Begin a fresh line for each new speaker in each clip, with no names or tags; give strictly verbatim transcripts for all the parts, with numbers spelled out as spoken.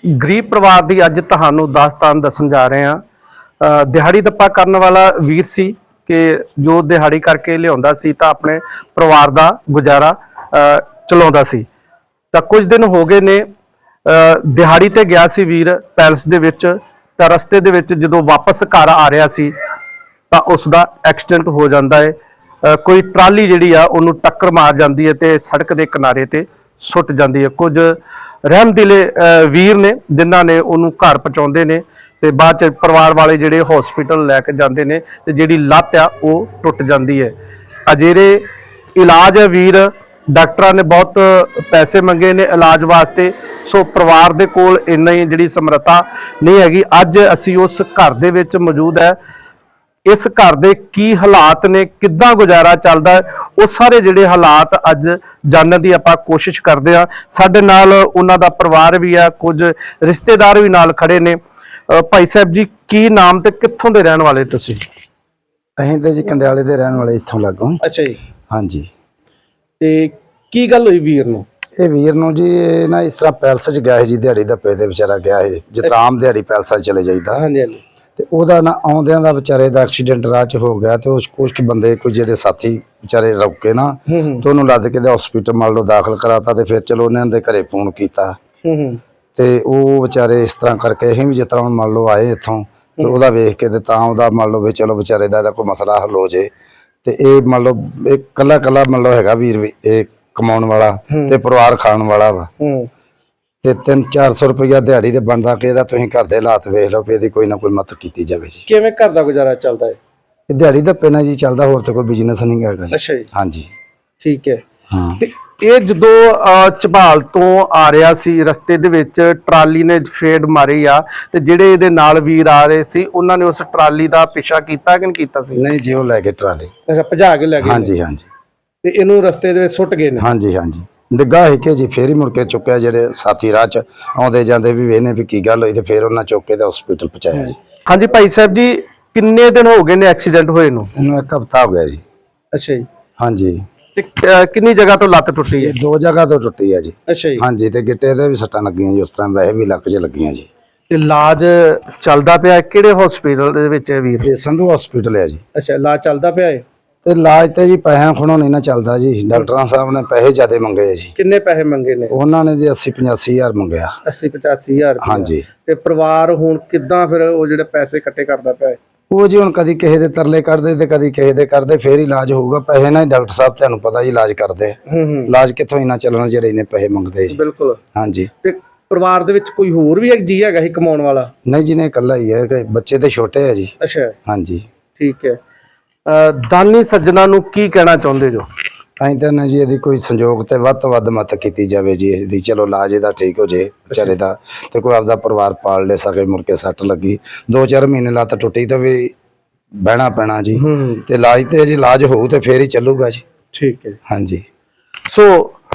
गरीब परिवार की अज तुहानू दास्तान दसन जा रहे हैं। दिहाड़ी दप्पा करने वाला वीर सी कि जो दिहाड़ी करके लिया सी तो अपने परिवार का गुजारा चलाउंदा सी। तो कुछ दिन हो गए ने दिहाड़ी ते गया सी वीर पैलस दे विच, तो रस्ते दे विच जदों वापस घर आ रहा सी तो उसका एक्सीडेंट हो जाता है। कोई ट्राली जिहड़ी आ उहनूं टक्कर मार जाती है तो सड़क के किनारे ते सुट जाती है। कुछ रहमदिले वीर ने जिन्हां ने उहनूं घर पहुँचाउंदे ने ते बाद च परिवार वाले जिहड़े हॉस्पिटल लैके जाते हैं तो जिहड़ी लत्त आ वो टुट जाती है। अजेरे इलाज है वीर, डॉक्टर ने बहुत पैसे मंगे ने इलाज वास्ते, सो परिवार दे कोल इन्ना ही जिहड़ी समर्था नहीं हैगी। अज असी उस घर दे विच मौजूद है। इस घर दे की हालात ने, किद्दां गुजारा चलदा है, वो सारे जिहड़े हालात अज जानने की आपां कोशिश करते हैं। साडे नाल उन्हां दा परिवार भी है, कुछ रिश्तेदार भी नाल खड़े ने। भाई साहब जी, की नाम ते कित्थों दे रहण वाले तुसीं?
असीं ते जी कंडियाले दे रहण वाले इत्थों लागों।
अच्छा जी।
हाँ जी।
ते की गल होई वीर नूं?
ਇਹ ਵੀਰ ਨੂੰ ਜੀ ਇਹ ਨਾ ਇਸ ਤਰ੍ਹਾਂ ਪੈਲਸ 'ਚ ਗਿਆ ਸੀ ਜੀ, ਦਿਹਾੜੀ ਦਾ ਪੇ ਦੇ ਵਿਚਾਰਾ ਗਿਆ ਸੀ ਜਿੱਦਾਂ ਆਮ ਦਿਹਾੜੀ ਪੈਲਸਾਂ 'ਚ ਚਲੇ ਜਾਈਦਾ।
ਹਾਂਜੀ ਹਾਂਜੀ।
ਤੇ ਉਹਦਾ ਨਾ ਆਉਂਦਿਆਂ ਦਾ ਵਿਚਾਰੇ ਦਾ ਐਕਸੀਡੈਂਟ ਰਾਹ 'ਚ ਹੋ ਗਿਆ ਤੇ ਉਸ ਕੁਝ ਕੁ ਬੰਦੇ ਕੋਈ ਜਿਹੜੇ ਸਾਥੀ ਵਿਚਾਰੇ ਰੁਕੇ ਨਾ ਤੇ ਉਹਨੂੰ ਲੱਦ ਕੇ ਦੇ ਹਸਪੀਟਲ ਮੰਨ ਲਓ ਦਾਖਲ ਕਰਾਤਾ ਤੇ ਫਿਰ ਚਲੋ ਉਹਨਾਂ ਦੇ ਘਰੇ ਫੋਨ ਕੀਤਾ ਤੇ ਉਹ ਵਿਚਾਰੇ ਇਸ ਤਰ੍ਹਾਂ ਕਰਕੇ ਅਸੀਂ ਵੀ ਜਿਸ ਤਰ੍ਹਾਂ ਮੰਨ ਲਓ ਆਏ ਇੱਥੋਂ ਤੇ ਉਹਦਾ ਵੇਖ ਕੇ ਤੇ ਤਾਂ ਉਹਦਾ ਮੰਨ ਲਓ ਵੀ ਚਲੋ ਵਿਚਾਰੇ ਦਾ ਕੋਈ ਮਸਲਾ ਹੱਲ ਹੋ ਜੇ। ਤੇ ਇਹ ਮੰਨ ਲਓ ਇਹ ਕੱਲਾ ਕੱਲਾ ਮੰਨ ਲਓ ਹੈਗਾ ਵੀਰ ਵੀ ਇਹ ਕਮਾਉਣ ਵਾਲਾ ਤੇ ਪਰਿਵਾਰ ਖਾਣ ਵਾਲਾ ਵਾ ਤੇ ਤਿੰਨ ਚਾਰ ਸੌ ਰੁਪਇਆ ਦਿਹਾੜੀ ਤੇ ਬਣਦਾ ਕਿ ਇਹਦਾ ਤੁਸੀਂ ਘਰ ਦੇ ਹਾਲਾਤ ਵੇਖ ਲਓ ਵੀ ਇਹਦੀ ਕੋਈ ਨਾ ਕੋਈ ਮਦਦ ਕੀਤੀ ਜਾਵੇ ਜੀ।
ਕਿਵੇਂ ਘਰ ਦਾ ਗੁਜ਼ਾਰਾ ਚੱਲਦਾ ਹੈ?
ਇਹ ਦਿਹਾੜੀ ਦਾ ਪੈਣਾ ਜੀ ਚੱਲਦਾ, ਹੋਰ ਤੇ ਕੋਈ ਬਿਜ਼ਨਸ ਨਹੀਂ ਹੈਗਾ ਜੀ।
ਅੱਛਾ ਜੀ।
ਹਾਂਜੀ
ਠੀਕ ਹੈ।
ਹਾਂ।
ਤੇ ਇਹ ਜਦੋਂ ਝਬਾਲ ਤੋਂ ਆ ਰਿਹਾ ਸੀ ਰਸਤੇ ਦੇ ਵਿੱਚ ਟਰਾਲੀ ਨੇ ਫੇਡ ਮਾਰੀ ਆ ਤੇ ਜਿਹੜੇ ਇਹਦੇ ਨਾਲ ਵੀਰ ਆ ਰਹੇ ਸੀ ਉਹਨਾਂ ਨੇ ਉਸ ਟਰਾਲੀ ਦਾ ਪਿੱਛਾ ਕੀਤਾ ਕਿ ਨਹੀਂ ਕੀਤਾ ਸੀ?
ਨਹੀਂ ਜੀ, ਉਹ ਲੈ ਕੇ ਟਰਾਲੀ
ਅੱਛਾ, ਭਜਾ ਕੇ ਲੈ ਗਏ।
ਹਾਂਜੀ ਹਾਂਜੀ।
ਤੇ ਇਹਨੂੰ ਰਸਤੇ ਦੇ ਵਿੱਚ ਸੁੱਟ ਗਏ ਨੇ?
ਹਾਂਜੀ ਹਾਂਜੀ। ਡਿੱਗਾ ਹੈ ਕਿ ਜੀ ਫੇਰ ਹੀ ਮੁੜ ਕੇ ਚੁੱਕਿਆ, ਜਿਹੜੇ ਸਾਥੀ ਰਾਹ ਚ ਆਉਂਦੇ ਜਾਂਦੇ ਵੀ ਵੇਖਨੇ ਵੀ ਕੀ ਗੱਲ ਹੋਈ ਤੇ ਫੇਰ ਉਹਨਾਂ ਚੁੱਕ ਕੇ ਤੇ ਹਸਪੀਟਲ ਪਹੁੰਚਾਇਆ ਜੀ।
ਹਾਂਜੀ ਭਾਈ ਸਾਹਿਬ ਜੀ, ਕਿੰਨੇ ਦਿਨ ਹੋ ਗਏ ਨੇ ਐਕਸੀਡੈਂਟ ਹੋਏ ਨੂੰ?
ਇਹਨੂੰ ਇੱਕ ਹਫ਼ਤਾ ਹੋ ਗਿਆ ਜੀ।
ਅੱਛਾ ਜੀ।
ਹਾਂਜੀ।
ਤੇ ਕਿੰਨੀ ਜਗ੍ਹਾ ਤੋਂ ਲੱਤ ਟੁੱਟੀ ਹੈ?
ਦੋ ਜਗ੍ਹਾ ਤੋਂ ਟੁੱਟੀ ਹੈ ਜੀ।
ਅੱਛਾ ਜੀ।
ਹਾਂਜੀ। ਤੇ ਗਿੱਟੇ ਤੇ ਵੀ ਸੱਟਾਂ ਲੱਗੀਆਂ ਜੀ, ਉਸ ਤਰ੍ਹਾਂ ਵੈਸੇ ਵੀ ਲੱਕ 'ਚ ਲੱਗੀਆਂ ਜੀ।
ਤੇ ਇਲਾਜ ਚੱਲਦਾ ਪਿਆ ਕਿਹੜੇ ਹਸਪੀਟਲ ਦੇ ਵਿੱਚ ਹੈ ਵੀਰ?
ਇਹ ਸੰਧੂ ਹਸਪੀਟਲ ਹੈ ਜੀ।
ਅੱਛਾ, ਇਲਾਜ ਚੱਲਦਾ ਪਿਆ ਹੈ?
ਤੇ ਇਲਾਜ ਤੇ ਜੀ ਪੈਸਿਆਂ ਖੁਣੋਂ ਨਹੀਂ ਨਾ ਚੱਲਦਾ ਜੀ, ਡਾਕਟਰਾਂ ਸਾਹਿਬ ਨੇ ਪੈਸੇ ਜ਼ਿਆਦਾ ਮੰਗੇ ਆ ਜੀ।
ਕਿੰਨੇ ਪੈਸੇ ਮੰਗੇ ਨੇ?
ਉਹਨਾਂ ਨੇ ਜੀ ਅੱਸੀ ਪਚਾਸੀ ਹਜ਼ਾਰ ਮੰਗਿਆ।
ਅੱਸੀ ਪਚਾਸੀ ਹਜ਼ਾਰ?
ਹਾਂਜੀ।
ਤੇ ਪਰਿਵਾਰ ਹੁਣ ਕਿੱਦਾਂ ਫਿਰ ਉਹ ਜਿਹੜੇ ਪੈਸੇ ਇਕੱਠੇ ਕਰਦਾ ਪਿਆ ਹੈ?
ਉਹ ਜੀ ਹੁਣ ਕਦੀ ਕਿਸੇ ਦੇ ਤਰਲੇ ਕੱਢਦੇ ਤੇ ਕਦੀ ਕਿਸੇ ਦੇ ਕਰਦੇ, ਫੇਰ ਹੀ ਇਲਾਜ ਹੋਊਗਾ। ਪੈਸੇ ਨਾਲ ਡਾਕਟਰ ਸਾਹਿਬ ਤੁਹਾਨੂੰ ਪਤਾ ਜੀ ਇਲਾਜ ਕਰਦੇ। ਇਲਾਜ ਕਿੱਥੋਂ ਇੰਨਾ ਚੱਲਣਾ ਜਿਹੜੇ ਇਹਨੇ ਪੈਸੇ ਮੰਗਦੇ ਜੀ।
ਬਿਲਕੁਲ।
ਹਾਂਜੀ।
ਤੇ ਪਰਿਵਾਰ ਦੇ ਵਿੱਚ ਕੋਈ ਹੋਰ ਵੀ ਇੱਕ ਜੀ ਹੈਗਾ ਸੀ ਕਮਾਉਣ ਵਾਲਾ?
ਨਹੀਂ ਜੀ, ਨੇ ਇਕੱਲਾ ਹੀ ਹੈ, ਬੱਚੇ ਤੇ ਛੋਟੇ ਆ ਜੀ।
ਅੱਛਾ।
ਹਾਂਜੀ।
ਠੀਕ ਹੈ। ਦਾਨੀ ਸੱਜਣਾ ਨੂੰ ਕੀ ਕਹਿਣਾ ਚਾਹੁੰਦੇ ਜੋ?
ਅਸੀਂ ਤਾਂ ਨਾ ਜੀ ਇਹਦੀ ਕੋਈ ਸੰਯੋਗ ਤੇ ਵੱਧ ਤੋਂ ਵੱਧ ਮਦਦ ਕੀਤੀ ਜਾਵੇ ਜੀ ਇਹਦੀ। ਚਲੋ ਇਲਾਜ ਇਹਦਾ ਠੀਕ ਹੋ ਜੇ ਵਿਚਾਰੇ ਦਾ ਤੇ ਕੋਈ ਆਪਦਾ ਪਰਿਵਾਰ ਪਾਲ ਲੈ ਸਕੇ। ਮੁੜ ਕੇ ਸੱਟ ਲੱਗੀ ਦੋ ਚਾਰ ਮਹੀਨੇ ਲੱਤ ਟੁੱਟੀ ਤਾਂ ਵੀ ਬਹਿਣਾ ਪੈਣਾ ਜੀ। ਤੇ ਇਲਾਜ ਤੇ ਜੀ ਇਲਾਜ ਹੋਊ ਤੇ ਫੇਰ ਹੀ ਚੱਲੂਗਾ ਜੀ। ਠੀਕ ਹੈ। ਹਾਂਜੀ।
ਸੋ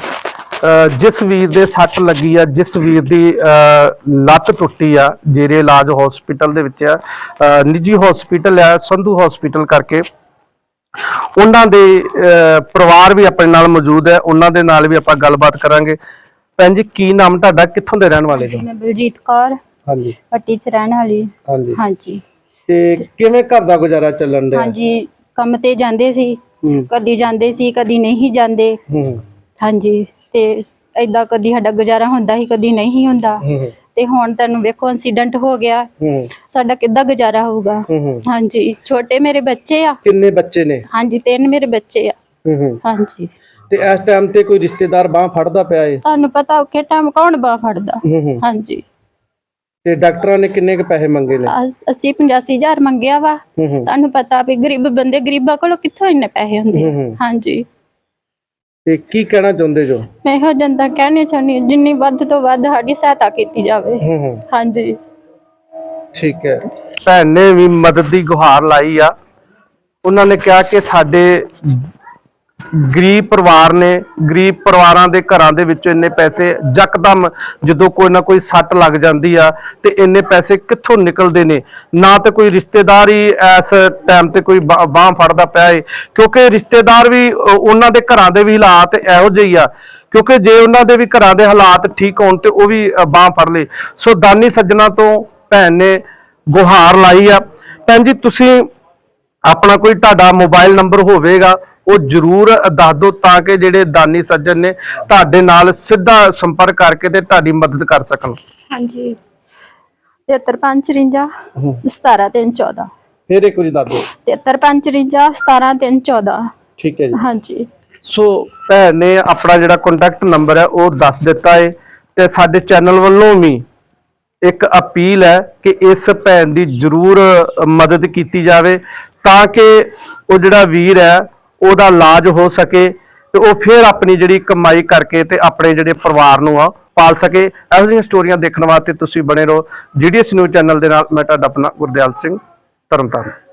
ਜਿਸ ਵੀਰ ਦੇ ਸੱਟ ਲੱਗੀ ਆ, ਜਿਸ ਵੀਰ ਦੀ ਲੱਤ ਟੁੱਟੀ ਆ, ਜਿਹੜੇ ਇਲਾਜ ਹਸਪੀਟਲ ਦੇ ਵਿੱਚ ਆ, ਨਿੱਜੀ ਹਸਪੀਟਲ ਆ ਸੰਧੂ ਹਸਪੀਟਲ ਕਰਕੇ, ਉਹਨਾਂ ਦੇ ਪਰਿਵਾਰ ਵੀ ਆਪਣੇ ਨਾਲ ਮੌਜੂਦ ਹੈ। ਉਹਨਾਂ ਦੇ ਨਾਲ ਵੀ ਆਪਾਂ ਗੱਲਬਾਤ ਕਰਾਂਗੇ। ਭੈਣ ਜੀ, ਕੀ ਨਾਮ ਤੁਹਾਡਾ, ਕਿੱਥੋਂ ਦੇ ਰਹਿਣ ਵਾਲੇ ਹੋ?
ਮੈਂ ਬਲਜੀਤ ਕੌਰ।
ਹਾਂਜੀ।
ਪੱਟੀ ਚ ਰਹਿਣ ਵਾਲੀ।
ਹਾਂਜੀ
ਹਾਂਜੀ।
ਤੇ ਕਿਵੇਂ ਘਰ ਦਾ ਗੁਜ਼ਾਰਾ ਚੱਲਣ ਡਿਆ?
ਹਾਂਜੀ, ਕੰਮ ਤੇ ਜਾਂਦੇ ਸੀ, ਕਦੀ ਜਾਂਦੇ ਸੀ ਕਦੀ ਨਹੀਂ ਜਾਂਦੇ। ਹਾਂਜੀ। ਤੇ ਏਦਾਂ ਕਦੀ ਸਾਡਾ ਗੁਜ਼ਾਰਾ ਹੁੰਦਾ ਸੀ, ਕਦੀ ਨਹੀਂ ਹੁੰਦਾ। ਤੇ ਹੁਣ ਤੁਹਾਨੂੰ ਵੇਖੋ ਐਕਸੀਡੈਂਟ ਹੋ ਗਿਆ, ਸਾਡਾ ਕਿੱਦਾਂ ਗੁਜ਼ਾਰਾ ਹੋਊਗਾ? ਹਾਂਜੀ। ਛੋਟੇ ਮੇਰੇ ਬੱਚੇ ਆ। ਕਿੰਨੇ ਬੱਚੇ ਨੇ? ਹਾਂਜੀ, ਤਿੰਨ ਮੇਰੇ ਬੱਚੇ ਆ। ਹਾਂਜੀ। ਤੇ ਇਸ ਟਾਈਮ ਤੇ ਕੋਈ ਰਿਸ਼ਤੇਦਾਰ ਬਾਹ ਫੜਦਾ ਪਿਆ ਏ? ਤੁਹਾਨੂੰ ਪਤਾ ਔਖੇ ਟਾਈਮ ਕੌਣ ਬਾਹ ਫੜਦਾ। ਹਾਂਜੀ। ਤੇ ਡਾਕਟਰਾਂ ਨੇ ਕਿੰਨੇ ਕੁ ਪੈਸੇ ਮੰਗੇ ਨੇ? ਅੱਸੀ ਪਚਾਸੀ ਹਜ਼ਾਰ ਮੰਗਿਆ ਵਾ। ਤੁਹਾਨੂੰ ਪਤਾ ਵੀ ਗਰੀਬ ਬੰਦੇ, ਗਰੀਬਾਂ ਕੋਲੋਂ ਕਿੱਥੋਂ ਇੰਨੇ ਪੈਸੇ ਹੁੰਦੇ। ਹਾਂਜੀ। ਤੇ ਕੀ ਕਹਿਣਾ ਚਾਹੁੰਦੇ ਜੋ? ਮੈਂ ਇਹੋ ਜਨਤਾ ਕਹਿਣੀ ਚਾਹੁੰਦੀ ਜਿੰਨੀ ਵੱਧ ਤੋਂ ਵੱਧ ਸਾਡੀ ਸਹਾਇਤਾ ਕੀਤੀ ਜਾਵੇ। ਹਾਂਜੀ। ਠੀਕ ਹੈ। ਭੈਣ ਨੇ ਵੀ ਮਦਦ ਦੀ ਗੁਹਾਰ ਲਾਈ ਆ। ਉਹਨਾਂ ਨੇ ਕਿਹਾ ਕਿ ਸਾਡੇ ਗਰੀਬ ਪਰਿਵਾਰ ਨੇ, ਗਰੀਬ ਪਰਿਵਾਰਾਂ ਦੇ ਘਰਾਂ ਦੇ ਵਿੱਚੋਂ ਇੰਨੇ ਪੈਸੇ ਯਕਦਮ ਜਦੋਂ ਕੋਈ ਨਾ ਕੋਈ ਸੱਟ ਲੱਗ ਜਾਂਦੀ ਆ ਤੇ ਇੰਨੇ ਪੈਸੇ ਕਿੱਥੋਂ ਨਿਕਲਦੇ ਨੇ? ਨਾ ਤੇ ਕੋਈ ਰਿਸ਼ਤੇਦਾਰ ਹੀ ਇਸ ਟਾਈਮ ਤੇ ਕੋਈ ਬਾਹ ਫੜਦਾ ਪਿਆ ਏ, ਕਿਉਂਕਿ ਰਿਸ਼ਤੇਦਾਰ ਵੀ ਉਹਨਾਂ ਦੇ ਘਰਾਂ ਦੇ ਵੀ ਹਾਲਾਤ ਇਹੋ ਜਿਹੇ ਆ
ਕਿਉਂਕਿ ਜੇ ਉਹਨਾਂ ਦੇ ਵੀ ਘਰਾਂ ਦੇ ਹਾਲਾਤ ਠੀਕ ਹੋਣ ਤੇ ਉਹ ਵੀ ਬਾਹ ਫੜ ਲੇ। ਸੋ ਦਾਨੀ ਸੱਜਣਾ ਤੋਂ ਭੈਣ ਨੇ ਗੁਹਾਰ ਲਾਈ ਆ। ਭੈਣ ਜੀ ਤੁਸੀਂ ਆਪਣਾ ਕੋਈ ਤੁਹਾਡਾ ਮੋਬਾਈਲ ਨੰਬਰ ਹੋਵੇਗਾ ਉਹ ਜ਼ਰੂਰ ਦੱਸ ਦਿਓ ਤਾਂ ਕਿ ਜਿਹੜੇ ਦਾਨੀ ਸੱਜਣ ਨੇ ਤੁਹਾਡੇ ਨਾਲ ਸਿੱਧਾ ਸੰਪਰਕ ਕਰਕੇ ਤੇ ਤੁਹਾਡੀ ਮਦਦ ਕਰ ਸਕਣ।
ਹਾਂਜੀ ਤੇਹੱਤਰ ਪੰਜ ਚੁਰੰਜਾ ਸਤਾਰਾਂ ਤਿੰਨ ਚੌਦਾਂ।
ਫਿਰ ਇੱਕ ਵਾਰੀ ਦੱਸ ਦਿਓ।
ਤੇਹੱਤਰ ਪੰਜ ਚੁਰੰਜਾ ਸਤਾਰਾਂ ਤਿੰਨ ਚੌਦਾਂ।
ਠੀਕ ਹੈ ਜੀ।
ਹਾਂਜੀ
ਸੋ ਭੈਣ ਨੇ ਆਪਣਾ ਜਿਹੜਾ ਕੰਟੈਕਟ ਨੰਬਰ ਹੈ ਉਹ ਦੱਸ ਦਿੱਤਾ ਹੈ ਤੇ ਸਾਡੇ ਚੈਨਲ ਵੱਲੋਂ ਵੀ ਇੱਕ ਅਪੀਲ ਹੈ ਕਿ ਇਸ ਭੈਣ ਦੀ ਜ਼ਰੂਰ ਮਦਦ ਕੀਤੀ ਜਾਵੇ ਤਾਂ ਕਿ ਉਹ ਜਿਹੜਾ ਵੀਰ ਹੈ ਉਹਦਾ ਇਲਾਜ ਹੋ ਸਕੇ ਤੇ ਉਹ ਫਿਰ ਆਪਣੀ ਜਿਹੜੀ ਕਮਾਈ ਕਰਕੇ ਤੇ ਆਪਣੇ ਜਿਹੜੇ ਪਰਿਵਾਰ ਨੂੰ ਆ ਪਾਲ ਸਕੇ। ਇਹੋ ਜਿਹੀਆਂ ਸਟੋਰੀਆਂ ਦੇਖਣ ਵਾਸਤੇ ਤੁਸੀਂ ਬਣੇ ਰਹੋ ਜੀਡੀਐਸ ਨਿਊਜ਼ ਚੈਨਲ ਦੇ ਨਾਲ। ਮੈਂ ਤੁਹਾਡਾ ਆਪਣਾ ਗੁਰਦਿਆਲ ਸਿੰਘ, ਤਰਨਤਾਰਨ।